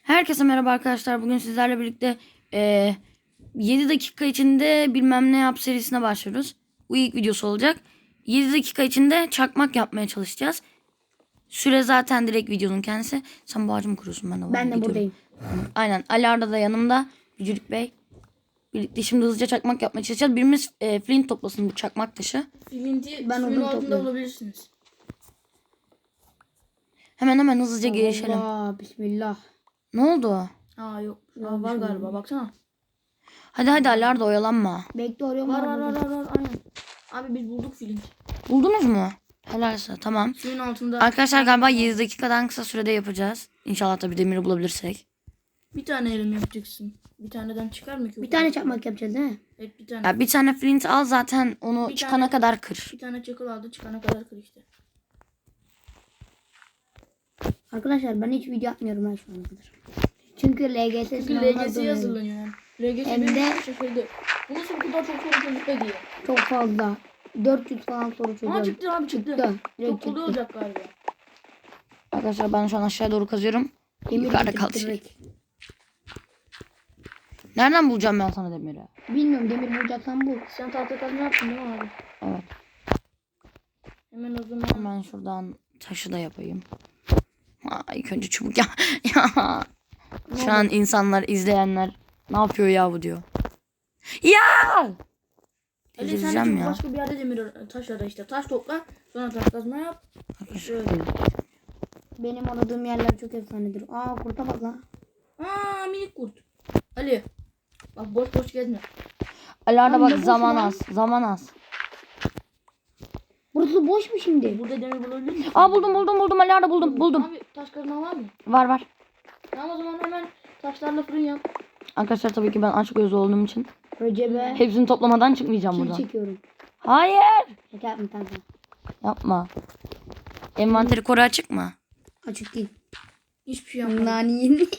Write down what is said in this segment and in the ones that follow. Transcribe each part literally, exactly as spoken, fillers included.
Herkese merhaba arkadaşlar. Bugün sizlerle birlikte e, yedi dakika içinde bilmem ne yap serisine başlıyoruz. Bu ilk videosu olacak. yedi dakika içinde çakmak yapmaya çalışacağız. Süre zaten direkt videonun kendisi. Sen bu ağacı mı kuruyorsun? Ben de, Ben de gidiyorum. buradayım. Aynen. Ali Arda da yanımda. Bücürük Bey. Birlikte şimdi hızlıca çakmak yapmaya çalışacağız. Birimiz e, flint toplasın bu çakmak taşı. Flinti Ben suyun odun altında topluyorum. bulabilirsiniz. Hemen hemen hızlıca girişelim. Allah bismillah. Ne oldu? Aa yok. Aa, Yok, var bir şey galiba olmadı. baksana. Hadi hadi Ali Arda oyalanma. Bekle arıyorum. Var var, var var burada. var var aynen. Abi biz bulduk flint. Buldunuz mu? Helalse tamam. Suyun altında. Arkadaşlar galiba yedi dakikadan kısa sürede yapacağız. İnşallah tabii demiri bulabilirsek. Bir tane elim yapacaksın. Bir taneden çıkar mı ki? Bir tane çakmak yapacağız değil mi? Evet bir tane. Ya bir tane flint al zaten onu Bir çıkana tane- kadar kır. Bir tane çakıl aldı çıkana kadar kır işte. Arkadaşlar ben hiç video atmıyorum ben şu ana kadar. Çünkü L G S Çünkü sınavına L G S'ye hazırlanıyorum. hazırlanıyor yani. L G S Hem benim de- de şaşırdı. Bu nasıl bu kadar çok soru çözüp diye. Çok fazla. dört yüz falan soru Aa çözüyorum. çıktı abi çıktı. Çıktı. Direkt Çok kolay çıktı. olacak galiba. Arkadaşlar ben şu an aşağıya doğru kazıyorum. Demir Yukarıda getirdik kaldı şey. direkt. Nereden bulacağım ben sana demiri? Bilmiyorum demir bulacaksan bul. Sen tahta kazma yaptın değil mi abi? Evet. Hemen o zaman. Hemen şuradan taşı da yapayım. Ha, ilk önce çubuk ya. ya. Şu an insanlar, izleyenler ne yapıyor ya bu diyor. Ya! Ali sen de Delireceğim çünkü ya. başka bir yerde demir taş ara işte. Taş topla sonra taş kazma yap. Şöyle. Benim aradığım yerler çok efsanedir. Aa kurta bak lan. Aa minik kurt. Ali. Bak boş boş gezme. Alarda Lan bak ne boş zaman lan? az. Zaman az. Burası boş mu şimdi? Burada demir bulabilir misin? Aa buldum buldum buldum Alarda buldum buldum. Abi taş kazma var mı? Var var. Tamam o zaman hemen taşlarla fırın yap. Arkadaşlar tabii ki ben aç gözlü olduğum için Recep'e hepsini toplamadan çıkmayacağım kil buradan. çekiyorum. Hayır. Şaka yapma kanka. Yapma. Envanteri koru açık mı? Açık değil. Hiçbir şey yapmadım. Nani yedin.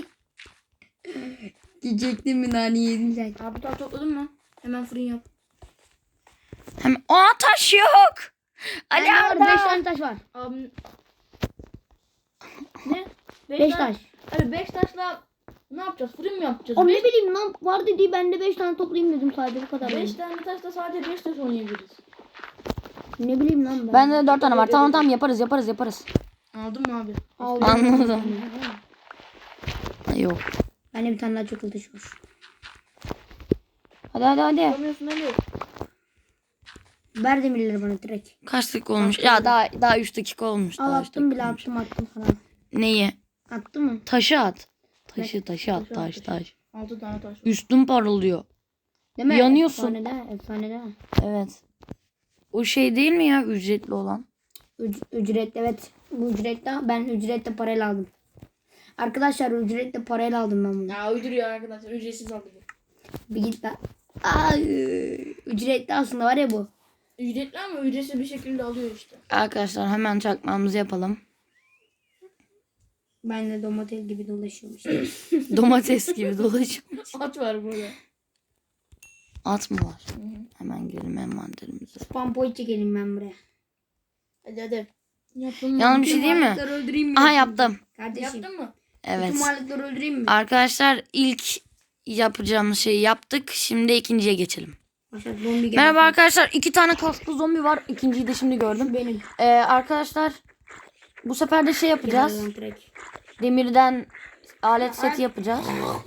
Diyecektim mi nani yedin sen? Abi taş topladın mı? Hemen fırın yap. Hemen. Aa taş yok. Ali Bende var beş Arda. tane taş var. Abim. Ne? beş taş. Abi beş taşla ne yapacağız? Fırın mı yapacağız? O ne Beş- bileyim lan var dediği ben de beş tane toplayayım dedim sadece bu kadar. Beş tane taşla sadece beş taş oynayabiliriz. Ne bileyim lan ben. Bende de dört tane var. Tamam tamam yaparız yaparız yaparız. Aldın mı abi? Aldım. Anladım. Yok. Bende bir tane daha çakıl taşı var. Hadi hadi hadi. Yapamıyorsun Ali. Ver demirleri bana direkt. Kaç dakika olmuş? Ya daha daha üç dakika olmuş. Al Daha üç attım dakika bile olmuş. attım attım falan. Neyi? Attı mı? Taşı at. Taşı taşı at Taşı at, taş taşı. taş. Altı tane taş var. Üstün parlıyor. Değil mi? Yanıyorsun. Efsanede efsanede. Evet. O şey değil mi ya ücretli olan? Üc- ücretli evet. Bu ücretli ben ücretle parayla aldım. Arkadaşlar ücretle parayla aldım ben bunu. Ya uyduruyor arkadaşlar. Ücretsiz aldı bu. Bir git lan. Ay, ücretli aslında var ya bu. Ücretli ama ücretsiz bir şekilde alıyor işte. Arkadaşlar hemen çakmağımızı yapalım. Ben de domates gibi dolaşıyormuş. Domates gibi dolaşmış. At var burada. At mı var? Hemen girelim envanterimize. Spam point çekelim ben buraya. Hadi hadi. Yaptın mı? Yalnız bir şey değil mi? Varlıkları öldüreyim mi? Aha yaptım. Kardeşim. Yaptın mı? Evet. Tüm varlıkları öldüreyim mi? Arkadaşlar ilk yapacağımız şeyi yaptık. Şimdi ikinciye geçelim. Başak zombi geldi. Merhaba arkadaşlar. iki tane kaslı zombi var. İkinciyi de şimdi gördüm. Benim. Ee, arkadaşlar bu sefer de şey yapacağız. Gel lan direkt. Demirden alet seti yapacağız.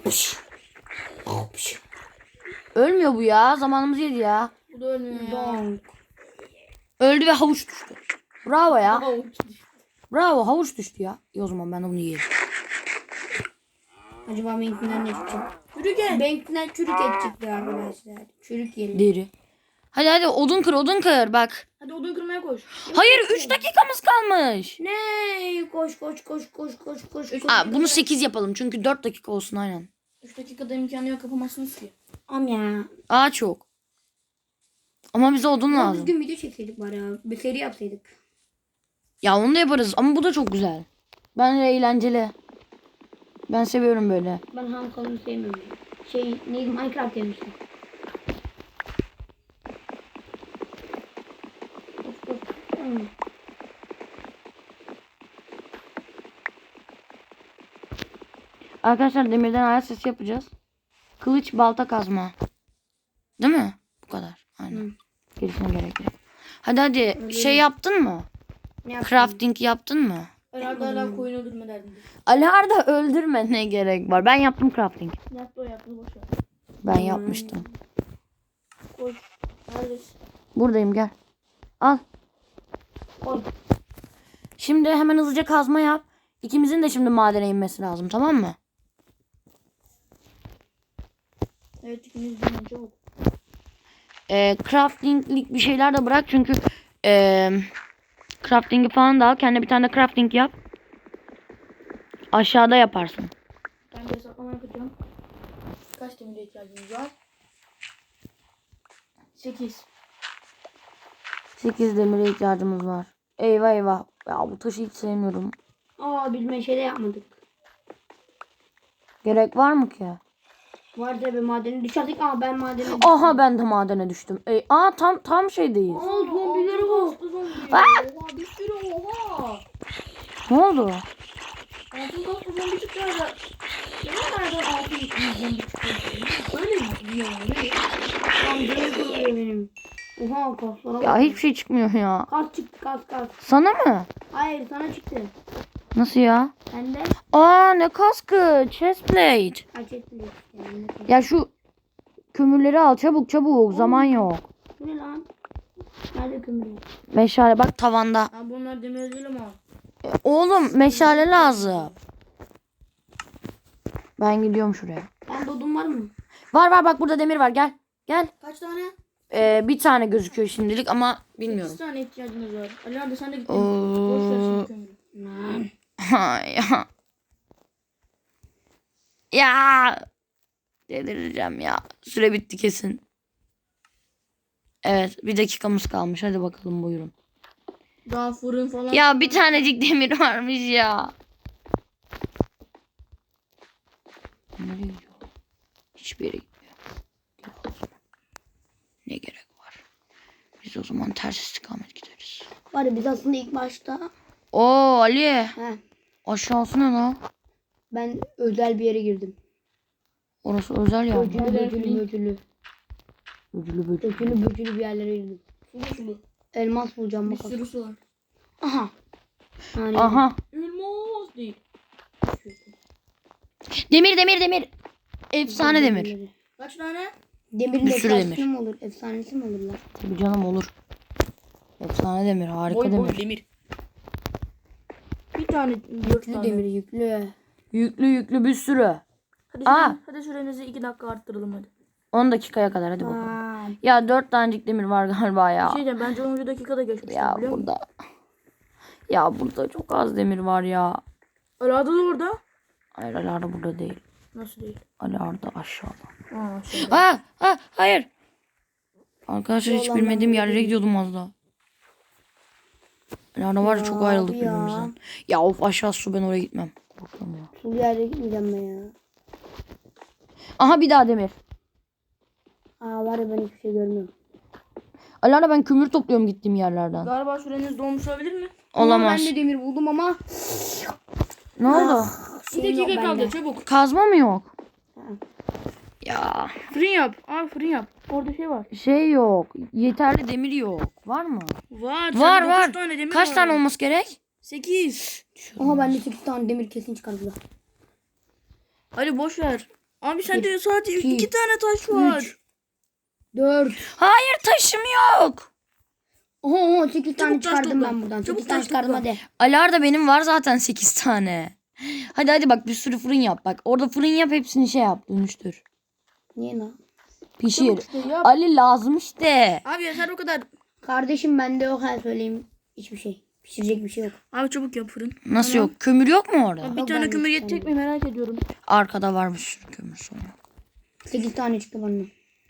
Ölmüyor bu ya. Zamanımızı yedi ya. Bu da ölmüyor ya. Donk. Öldü ve havuç düştü. Bravo ya. Aha, uçtu. Bravo havuç düştü ya. İyi o zaman ben de bunu yiyeyim. Acaba benimkinden ne çıkacak? Yürü gel. Benimkinden çürük et çıktı arkadaşlar. Çürük yiyelim. Deri. Hadi hadi odun kır odun kır bak. Hadi odun kırmaya koş. Hayır üç dakikamız kalmış. Ne? Koş koş koş koş koş koş. koş. Aa, bunu sekiz yapalım çünkü dört dakika olsun aynen. üç dakikada imkanı yok kapamazsınız ki. Am ya. Ağaç yok. Ama bize odun Ama lazım. düzgün video çekseydik bari ya. Bir seri yapsaydık. Ya onu da yaparız ama bu da çok güzel. Ben de eğlenceli. Ben seviyorum böyle. Ben ham kalını sevmiyorum. Şey neydi Minecraft demiştim. Koş koş. Hmm. Arkadaşlar demirden ayak sesi yapacağız. Kılıç, balta, kazma. Değil mi? Bu kadar. Aynen. Hı. Gerisine gerek yok. Hadi hadi şey yaptın mı? Ne yapayım? Crafting yaptın mı? Herhalde hala koyun öldürme derdinde. Ali Arda öldürme, ne gerek var? Ben yaptım crafting. Yaptı o yaptı boş ver. Ben yapmıştım. Koy. Neredesin? Buradayım, gel. Al. Koy. Şimdi hemen hızlıca kazma yap. İkimizin de şimdi madene inmesi lazım, tamam mı? Evet ikimiz de çabuk. Ee, craftinglik bir şeyler de bırak çünkü ee, crafting'i falan da al. Kendine bir tane de crafting yap. Aşağıda yaparsın. Ben de hesaplama yapacağım. Kaç demire ihtiyacımız var? sekiz. sekiz demire ihtiyacımız var. Eyvah eyvah. Ya bu taşı hiç sevmiyorum. Aa biz meşale yapmadık. Gerek var mı ki? Var da bir madeni düşerdik. Aa ben madeni düştüm. Aha, ben de madene düştüm. Ey, aa tam tam şeydeyiz. Aa zombileri var. Zombi. Aa! Oha bir sürü oha. Ne oldu? Altın kaplı zombi çıktı herhalde. Ya nereden altın yüklü zombi çıktı? Öyle mi? Bilmiyorum. Öyle. Lan canım kırılıyor benim. Oha kaslara bak. Ya hiçbir şey çıkmıyor ya. Kas çıktı kas kas. Sana mı? Hayır sana çıktı. Nasıl ya? Sen de Aa, ne kaskı? Chestplate. kaç ettin? Yani, Ya şu kömürleri al çabuk çabuk. Zaman yok. bu ne lan? Nerede kömür? Meşale bak tavanda. Ha bunlar demir değil ama. E, Oğlum meşale lazım. Ben gidiyorum şuraya. Ben dodum var mı? Var var, bak burada demir var, gel. Gel. Kaç tane? Ee, bir tane gözüküyor şimdilik ama sekiz bilmiyorum. tane ihtiyacımız var. Ali hadi sen de git. Oo. Boş ver şimdi kömürü. Lan. ya. Ya. Delireceğim ya. Süre bitti kesin. Evet, bir dakikamız kalmış. Hadi bakalım, buyurun. Daha fırın falan. Ya bir tanecik demir varmış ya. Nereye gidiyor? Hiçbir yere gitmiyor. Gel o zaman. Ne gerek var? Biz o zaman ters istikamet gideriz. Var ya biz aslında ilk başta. Oo Ali. He. Aşağısı ne lan? Ben özel bir yere girdim. Orası özel ya. Böcülü böcülü böcülü. Ödülü böcülü. Böcülü böcülü bir yerlere girdim. Sulu sulu. Elmas bulacağım Bir bakalım. sürü su var. Aha. Yani Aha. Elmas değil. Demir demir demir. Efsane demir. Kaç tane? Demirin Bir sürü efsanesi demir. mi olur? Efsanesi mi olur lan? Tabii canım, olur. Efsane demir. Harika Boy demir. boy demir. Bir tane dört Yüklü tane. demir yüklü. Yüklü yüklü bir sürü. Hadi, Aa. süre, hadi sürenizi iki dakika arttıralım hadi. on dakikaya kadar hadi bakalım. Aa, Ya dört tanecik demir var galiba Bir ya. şey diyeceğim bence onuncu dakikada geçmiştim Ya biliyor musun? burada. Ya burada çok az demir var ya. Ali Arda da orada. Hayır, Ali Arda burada değil. Nasıl değil? Ali Arda aşağıda. Aa şöyle. Aa, aa, hayır. Arkadaşlar hiç Yalan bilmediğim ben yerlere gidiyordum az daha. Ali Arda var ya, çok Ya ayrıldık abi ya. birbirimizden. Ya of, aşağı su, ben oraya gitmem. Korkuyorum ya. sulu yere gitmeyeceğim ben ya. Aha, bir daha demir. Aa var ya ben hiçbir şey görmüyorum. Ali Arda, ben kömür topluyorum gittiğim yerlerden. Galiba süreniz dolmuş olabilir mi? Olamaz. Ama ben de demir buldum ama. Ne oldu? Bir Şey yok dakika kaldı bende. çabuk. Kazma mı yok? Ha. Ya Fırın yap. Aa fırın yap. Orada şey var. şey yok. Yeterli demir yok. Var mı? Var. Var sende var. dokuz tane demir Kaç var. tane olması gerek? sekiz. Aha bende sekiz tane demir kesin çıkardı. Hadi boş ver. Abi sende sadece iki, iki tane taş var. üç. dört. Hayır, taşım yok. Oho oho sekiz tane Çabuk taş çıkardım topla. ben buradan. Çabuk sekiz tane taş çıkardım topla. hadi. Ali Arda, benim var zaten sekiz tane. Hadi hadi bak, bir sürü fırın yap. Bak orada fırın yap, hepsini şey yap, dönüştür. Niye lan? Pişir. Çabuk işte yap. Ali lazım işte. Abi yeter o kadar. Kardeşim bende yok her söyleyeyim. Hiçbir şey. Pişirecek bir şey yok. Abi çabuk yap fırın. Nasıl yok? Kömür yok mu orada? Bir Yok, tane ben kömür de yetecek mi merak ediyorum. Arkada var bir sürü kömür sonra. sekiz tane çıktı bana.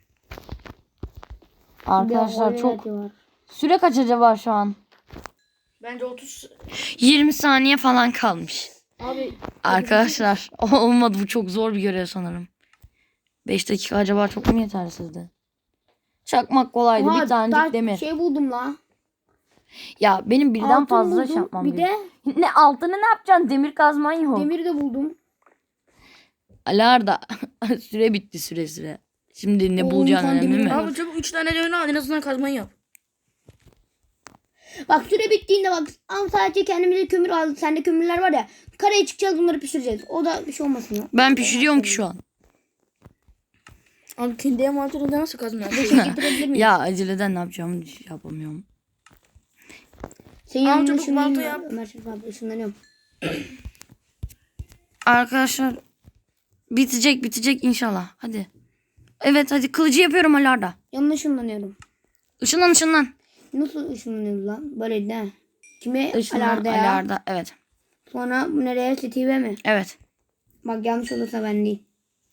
Arkadaşlar Bir de çok... oil var. Süre kaç acaba şu an? Bence otuz. yirmi saniye falan kalmış. Abi. Arkadaşlar olmadı, bu çok zor bir görev sanırım. beş dakika acaba çok mu yetersizdi? Çakmak kolaydı, Oha, bir tanecik taş- demir. Şey buldum la. Ya benim birden Altın fazla buldum. şey yapmam Bir de gerekiyor. Ne altını ne yapacaksın? Demir kazman yok. demir de buldum. Alarda süre bitti süre süre. Şimdi ne Oo, bulacağın insan önemli demiri mi? var. Abi çabuk üç tane demir al en azından kazmayı yap. Bak süre bittiğinde bak ama sadece kendimize kömür aldık. Sende kömürler var ya. Karaya çıkacağız bunları pişireceğiz. O da bir şey olmasın ya. Ben pişiriyorum ki şu an. Abi kendi envanterinde nasıl kazma yap? Şey getirebilir miyim? Ya aceleden ne yapacağımı yapamıyorum. Senin Al yanına çabuk, ışınlanayım balta ya. yap. Ömer Şerif abi ışınlanıyorum. Arkadaşlar bitecek bitecek inşallah. Hadi. Evet hadi kılıcı yapıyorum Alarda. Yanına ışınlanıyorum. Işınlan ışınlan. Nasıl ışınlanıyoruz lan? Böyle ne? Kime? Işınlan Alarda ya. Alarda. Evet. Sonra bu nereye? Steve mi? Evet. Bak yanlış olursa ben değil.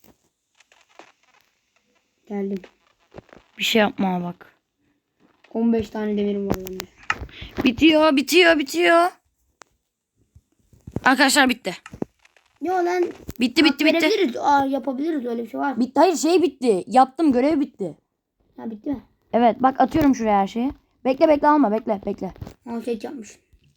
Geldim. Bir şey yapma bak. on beş tane demirim var bende. Bitiyor bitiyor bitiyor. Arkadaşlar bitti. Yo lan. Bitti bitti hak bitti. verebiliriz. Aa, yapabiliriz öyle bir şey var. Bitti. Hayır şey bitti. Yaptım görev bitti. Ha bitti mi? Evet bak atıyorum şuraya her şeyi. Bekle bekle alma bekle bekle. Ha şey yapmış.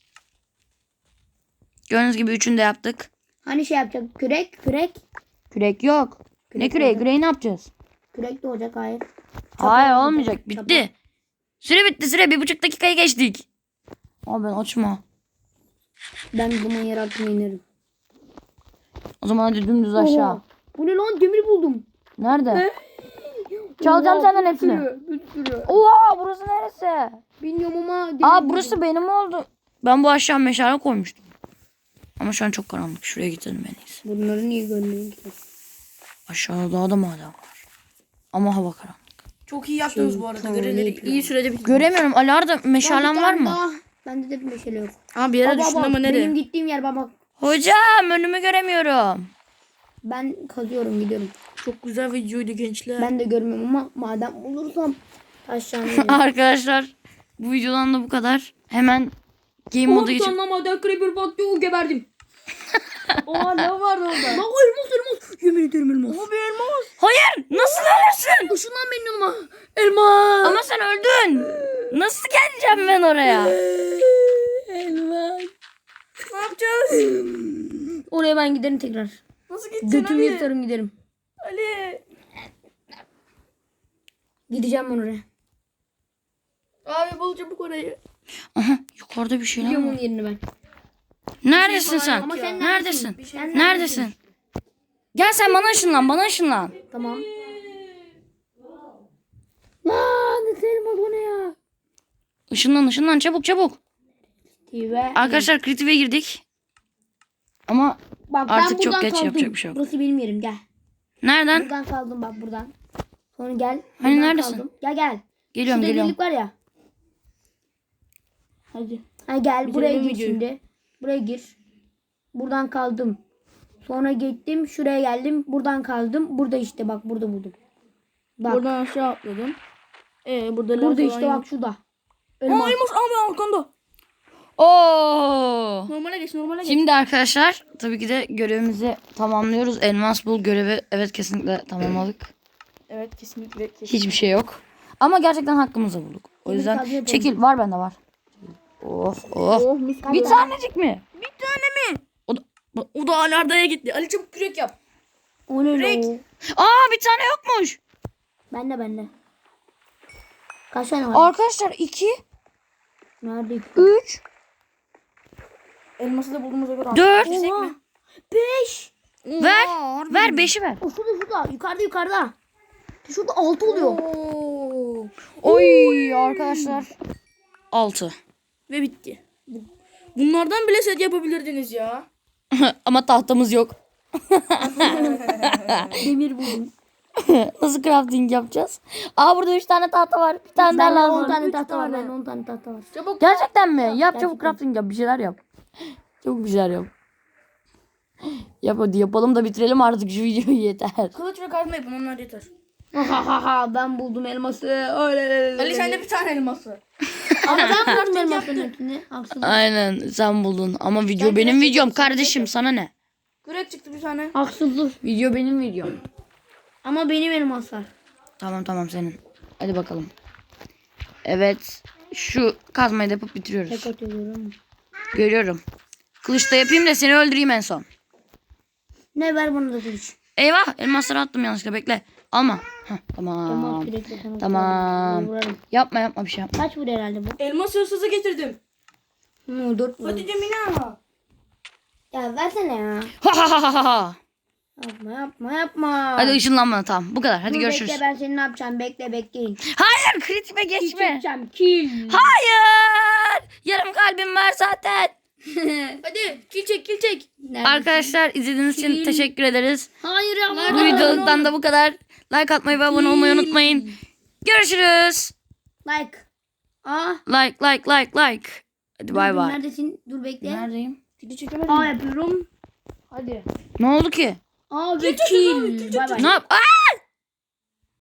Gördüğünüz gibi üçünü de yaptık. Hani şey yapacak? Kürek, kürek. Kürek yok. Kürek ne küreği? olacak. Küreği ne yapacağız? Kürek de olacak hayır. Hayır olacak. olmayacak. Bitti. Süre bitti süre. Bir buçuk dakikayı geçtik. Abi ben açma. Ben bu zaman yer altına inerim. O zaman hadi dümdüz aşağı. Oha, bu ne lan? Demir buldum. Nerede? Çalacağım Oha, senden bir hepsini. sürü, bir sürü. Oha burası neresi? Bilmiyorum ama. demir Aa buldum. burası benim oldu. Ben bu aşağı meşale koymuştum. Ama şu an çok karanlık. Şuraya gidelim en iyisi. Bunları niye görmüyorum ki? Aşağıda daha da maden var. Ama hava karanlık. Çok iyi yaptınız bu arada. Tamam, Görevleri ne iyi sürede bitti. Göremiyorum. Alarda meşalen Bir var tane mı? daha. Bende de bir meşale yok. Abi bir yere Baba düştün bak, ama nereye? benim gittiğim yer bak bak. Hocam önümü göremiyorum. Ben kazıyorum gidiyorum. Çok güzel videoydu gençler. Ben de görmüyorum ama madem bulursam aşağı inerim. Arkadaşlar bu videodan da bu kadar. Hemen game modu geçip. Sonra maden creeper baktı o geberdim. Oha ne vardı orada? Bak o elmas elmas. Yemin ederim elmas. Ama bir elmas. Hayır nasıl ölürsün? Işınlan benim yanıma. Elmas. Ama sen öldün. Nasıl geleceğim ben oraya? Elmas. Ne yapacağız? Oraya ben giderim tekrar. Nasıl gideceksin Götümü Ali? yırtarım giderim. Ali. Gideceğim ben oraya. Abi bul çabuk orayı. Aha yukarıda bir şeyler Biliyorum var. onun yerini ben. Neredesin falan sen? yok Ama ya. sen Neredesin? Bir şey Sen Neredesin? Gel sen bana ışınlan bana ışınlan. Tamam. Lan ne elmas o ne ya? Işınlan ışınlan çabuk çabuk. Ve Arkadaşlar kritiğe girdik. Ama bak, ben artık çok buradan geç, kaldım. yapacak bir şey yok. Burası benim yerim gel. nereden? Buradan kaldım bak buradan. Sonra gel. Hani buradan neredesin? kaldım. Gel gel. Geliyorum Şurada geliyorum. delik var ya. Hadi. Ha gel Bitirelim buraya gir videoyu. şimdi. Buraya gir. Buradan kaldım. Sonra gittim şuraya geldim. Buradan kaldım. Burada işte bak burada buldum. Bak. Buradan aşağı atladım. Ee burada lav Burada falan işte yok. bak şurada. Aa Elmas. elmas abi arkanda. Oo. Normale geç normale geç. Şimdi arkadaşlar tabii ki de görevimizi tamamlıyoruz. Elmas bul görevi evet kesinlikle tamamladık. Evet kesinlikle. kesinlikle. Hiçbir şey yok. Ama gerçekten hakkımızı bulduk. O Demir yüzden kazma yapalım. çekil var bende var. Oh oh. Oh mis gibi. Bir tanecik mi? Bir tane mi? O da, bu- O da alardaya gitti. Ali çabuk kürek yap. O ne Direkt. lan o? Aa bir tane yokmuş. Bende bende. Kaç tane var? Arkadaşlar iki, Nerede? üç, Elması da bulduğumuza göre. dört. Gitsek mi? Beş. Ver. Ver beşi ver. O şurada şurada. Yukarıda yukarıda. Şurada altı oluyor. Oo. Oy arkadaşlar. Altı. Ve bitti. Bu- Bunlardan bile set yapabilirdiniz ya. Ama tahtamız yok. Demir buldum. Nasıl crafting yapacağız? Aa burada üç tane tahta var. Bir tane daha Bende lazım. on tane Üç tahta var. tane. Bende on tane tahta var. Çabuk. Gerçekten mi? Yap çabuk Gerçekten. crafting yap. Bir şeyler yap. Çabuk bir şeyler yap. Yap hadi yapalım da bitirelim artık şu videoyu yeter. Kılıç ve kazma yapın onlar yeter. Ha ha ha ha ben buldum elması. Öyle. Ali sende bir tane elması. Ama ben buldum elmasın hepsini. Haksızlık. Aynen sen buldun ama video benim videom kardeşim sana ne? Kürek çıktı bir tane. Haksızlık. Video benim videom. Ama benim elmaslar. Tamam tamam senin. Hadi bakalım. Evet şu kazmayı da yapıp bitiriyoruz. Tek atıyorum. Görüyorum. Kılıçta yapayım da seni öldüreyim en son. Ne ver bana da kılıç. Eyvah elmasları attım yanlışlıkla bekle. Alma. Heh, tamam. Elmas kürekle sana Tamam. vurarım. Yapma yapma bir şey yapma. Kaç vuruyor herhalde bu? Elmas hırsızı getirdim. Hı, dört vuruyor. Hadi Cemina. Ya versene ya. Ha ha ha ha ha. Yapma yapma yapma. Hadi ışınlanma tamam bu kadar. Hadi Dur, görüşürüz. Bekle ben seni ne yapacağım bekle bekleyin. Hayır kritime Kill geçme. çekeceğim kill. Hayır. Yarım kalbim var zaten. Hadi kil çek kil çek. Neredesin? Arkadaşlar izlediğiniz için Kill. teşekkür ederiz. Hayır ama. Bu videodan da bu kadar. Like atmayı ve abone olmayı unutmayın. Görüşürüz. Like. Aa. Like like like like. Hadi bay dur, bay. Neredesin? Dur bekle. Neredeyim? Kili çekemedim. Aa yapıyorum. Hadi. Ne oldu ki? Aa ve çekeceğiz abi, kill. kill Bay bay. Ne yap? Aa!